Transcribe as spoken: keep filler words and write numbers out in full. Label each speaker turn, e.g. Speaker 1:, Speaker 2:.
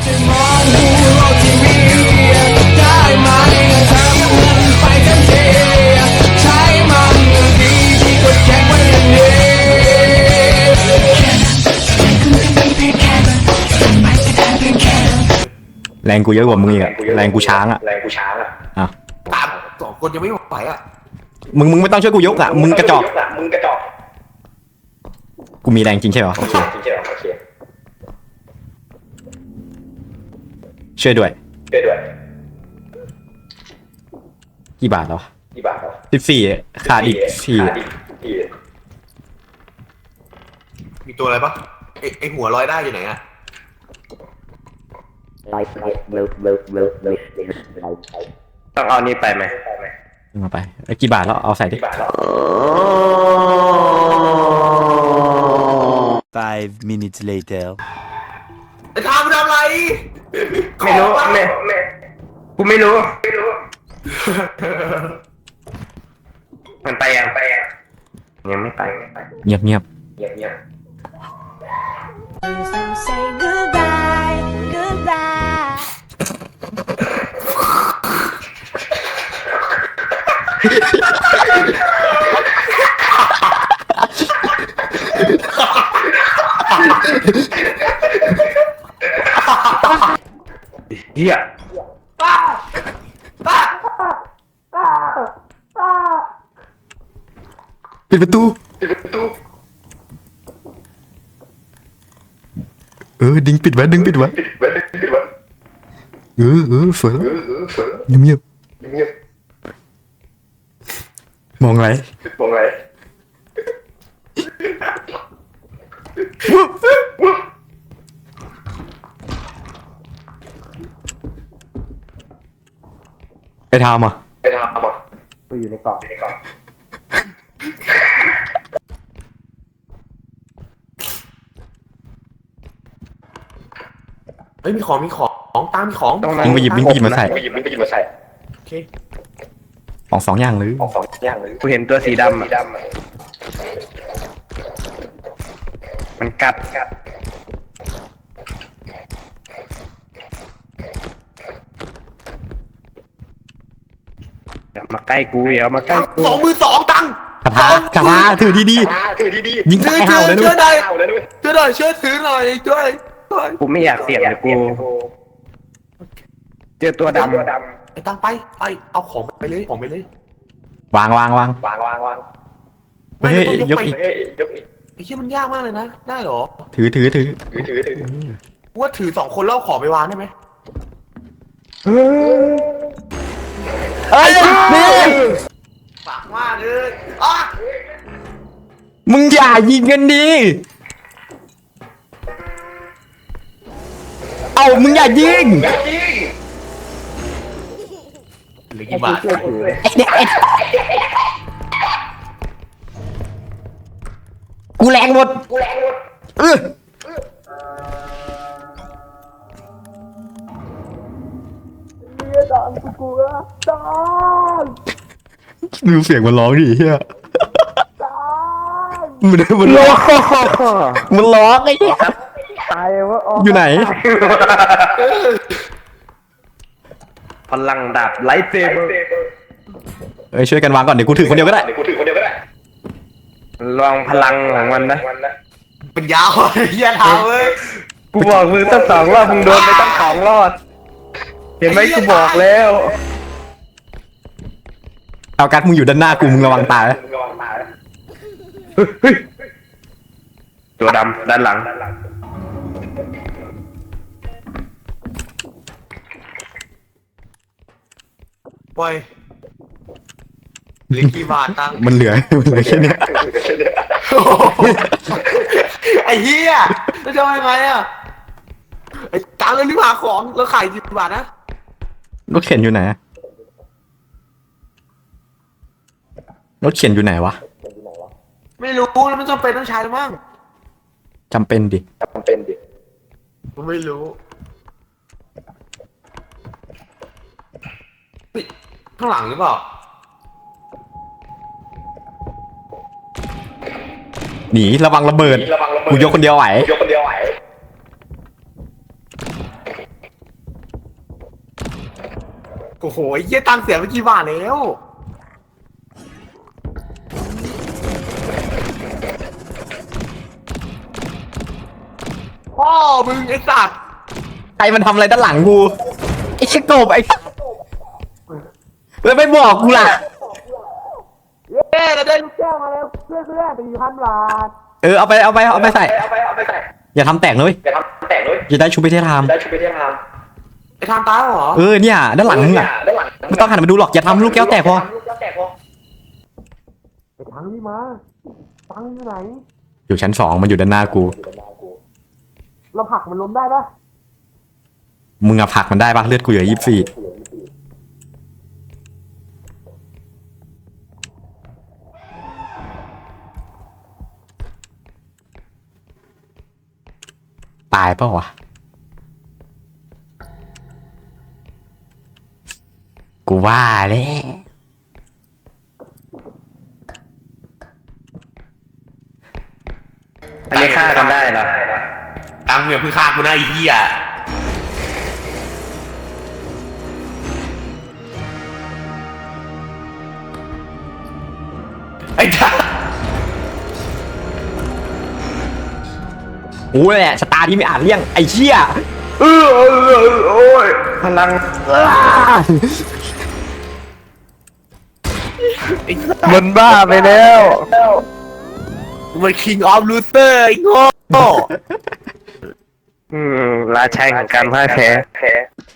Speaker 1: มองดูโลกที่มีได้ไหมทำมันไปทันทีใช้มันดีที่กดแข็งไว้อย่างนี้
Speaker 2: แรงกูเยอะกว่ามึงอีกอะแรงกูช้างอะ
Speaker 3: แรงกูช้างอะ
Speaker 2: อ่ะ
Speaker 3: ตามสองคนยังไม่ไหวอะ
Speaker 2: มึงมึงไม่ต้องช่วยกูยกอะมึงกระจอก
Speaker 3: มึงกระจอก
Speaker 2: กูมีแรงจริงใช่เหรอโอเค
Speaker 3: จริงใช่เหรอโอเค
Speaker 2: ช่วยด้วย
Speaker 3: ช่วยด้วย
Speaker 2: กี่บาทแล้ว
Speaker 3: กี่บาทแล้ว
Speaker 2: สิบสี่ขาดอีกสี่
Speaker 3: มีตัวอะไรปะไอไอหัวลอยได้อยู่ไหนอะต้องเอานี่ไปไหม
Speaker 2: มาไปไอ้กี่บาทแล้วเอาใส่ดิ
Speaker 4: Five minutes later
Speaker 3: ไอ้ทำทำอะไร
Speaker 5: ไม่รู้ไม่กูไม่รู้ไม่รู้มันไปยังไปยังยังไม่ไป
Speaker 2: เงียบเงียบ
Speaker 3: เงียบเงียบ
Speaker 1: Say goodbye goodbye
Speaker 5: เฮีย
Speaker 2: ปิดประตู
Speaker 3: ปิดประตู
Speaker 2: เออดึงปิดไว้ดึงปิดไว้
Speaker 3: ปิดไว้ปิดไว้
Speaker 2: เออเออเฟื่อ
Speaker 3: เออเออเฟื่อ
Speaker 2: เงียบเงียบ
Speaker 3: เงียบ
Speaker 2: มองไร
Speaker 3: มองไร
Speaker 2: ไปทำอ่ะ
Speaker 3: ไปทำอ่ะ
Speaker 5: กูอยู่ในกล่อง
Speaker 3: อยู่ในกล่องเฮ้ยมีของมีของตามมีของ
Speaker 5: ตรงนั้
Speaker 2: นมึงไปหยิบมึงไปหยิบมาใส่
Speaker 3: ไปหยิบมึงไปหยิบมาใส่โอเค
Speaker 2: ของสองอย่างเลย
Speaker 3: ของสองอย่างเลย
Speaker 5: กูเห็นตัวสีดำอ่ะมันกัดกัดอย่ามาใกล้กูอย่ามาใกล้กู
Speaker 3: สองมือสองตัง
Speaker 2: กระทะกระทะถือดีดี
Speaker 3: ถือดีดี
Speaker 2: ยิงตายห่าวเลยด้วย
Speaker 3: ช่วยหน่อยช่วยถือหน่อยช่วย
Speaker 5: กูไม่อยากเสี่ยงเลยกูเจอตัวดำ
Speaker 3: ไอ้ตังไปไปเอาของไปเลยของไปเลยว
Speaker 2: างวางวาง
Speaker 3: วางวางวาง
Speaker 2: เฮ้ยยกอีก
Speaker 3: ยกอีกไอ้เหี้ยมันยากมากเลยนะได้หรอ
Speaker 2: ถือถือถือ
Speaker 3: ถือถือถือว่าถือสองคนแล้วของไปวางได้ไหม
Speaker 2: เฮ้ยนี่
Speaker 3: ปากมากเลยอ่ะ
Speaker 2: มึงอย่ายิงกันดิเอามึงอย่ายิง
Speaker 3: หรือกี่บาท
Speaker 2: กูแรงหมดกูแรงหมดเออดูเสียงมันร้องดิเฮียมันมันร้องมันร้องไอ้เหี้ย
Speaker 5: ตายวะ
Speaker 2: อยู่ไหน
Speaker 5: พลังดาบไลท์เซเบอร์
Speaker 2: เอ้ยช่วยกันวางก่อนเดี๋ยวกูถือคนเดียวก็ได้
Speaker 3: เดี๋ยวกูถือคนเดียวก็ได้
Speaker 5: ลองพลังของมันนะ
Speaker 3: เป็นยาวเหี้ยเท้าเว้ย
Speaker 5: กูบอกมึงตั้งสองรอบมึงโดนไปตั้งสองรอดเห็นไหมกูบอกแล้ว
Speaker 2: เอากัดมึงอยู่ด้านหน้ากูมึงระวังตาย
Speaker 5: ตัวดำด้านหลัง
Speaker 3: ปล่อยเหลือกี่บาทตัง
Speaker 2: มันเหลือมันเหลือแค่นี้
Speaker 3: ไอ้เหี้ยแล้วจะยังไงอ่ะไอ้ตังเลยรีบหาของแล้วขายกี่บาทนะ
Speaker 2: รถเข็นอยู่ไหนรถเข็นอยู่ไหนวะ
Speaker 3: ไม่รู้แล้วมันจำเป็นต้องใช้หรือมั้ง
Speaker 2: จำเป็นดิ
Speaker 3: จำเป็นดิไม่รู้ข้างหลังหรือเปล่า
Speaker 2: หนีระวังระเบิดกูยกคนเดียวไหวยกคนเดียวไหว
Speaker 3: โอ้โหไอ้เหี้ยตังค์เสียไปกี่บาทแล้วพ่อมึงไอ้สัตว์
Speaker 2: ใครมันทำอะไรด้านหลังกูไอ้ชิโกบไอ้แล้วไม่บอกกูล่ะ
Speaker 3: เย้เราได้ลูกแก้วมาแล้วเพื่อนเพื่อนสี่พันบาท
Speaker 2: เออเอาไปเอาไปเอาไปใส่
Speaker 3: เอาไปเอาไปใส่
Speaker 2: อย่าทำแตกนะเลย
Speaker 3: อย่าทำแตกเลย
Speaker 2: จะได้ชูไปเทศทาม
Speaker 3: ได้ชุดไปเที่ยวทำไอ้ทำตายเหรอ
Speaker 2: เออเนี่ยด้านหลังมึงอ่ะ
Speaker 3: ด้านหลัง
Speaker 2: ไม่ต้องหันมาดูหรอกอย่าทำลูกแก้วแตกพอ
Speaker 3: ลูกแก้วแตกพอไอ้ทังนี่มาทังอยู่ไหน
Speaker 2: อยู่ชั้นสองมันอยู่ด้านหน้ากู
Speaker 3: เราผลักมันล้มได้ปะ
Speaker 2: มึงอะผลักมันได้ปะเลือดกูเหลือยี่สิบสี่ตายเปล่าวะกูว่าแล้ว
Speaker 5: อันนี้ฆ่ากันได้เหรอ
Speaker 3: ตังเนี่ยเพิ่งฆ่ากูนะไอ้เหี้ยไอ้ทัง
Speaker 2: กูแหละชะตาที่ไม่อาจเลี่ยงไอ้เชี่ย
Speaker 5: เออเออเออโอ้ยพลัง
Speaker 3: ไอ้
Speaker 5: มันบ้าไปแล้ว
Speaker 3: มัน King of Loser ไอ้โง่
Speaker 5: อืมราชัยของการพ่ายแพ้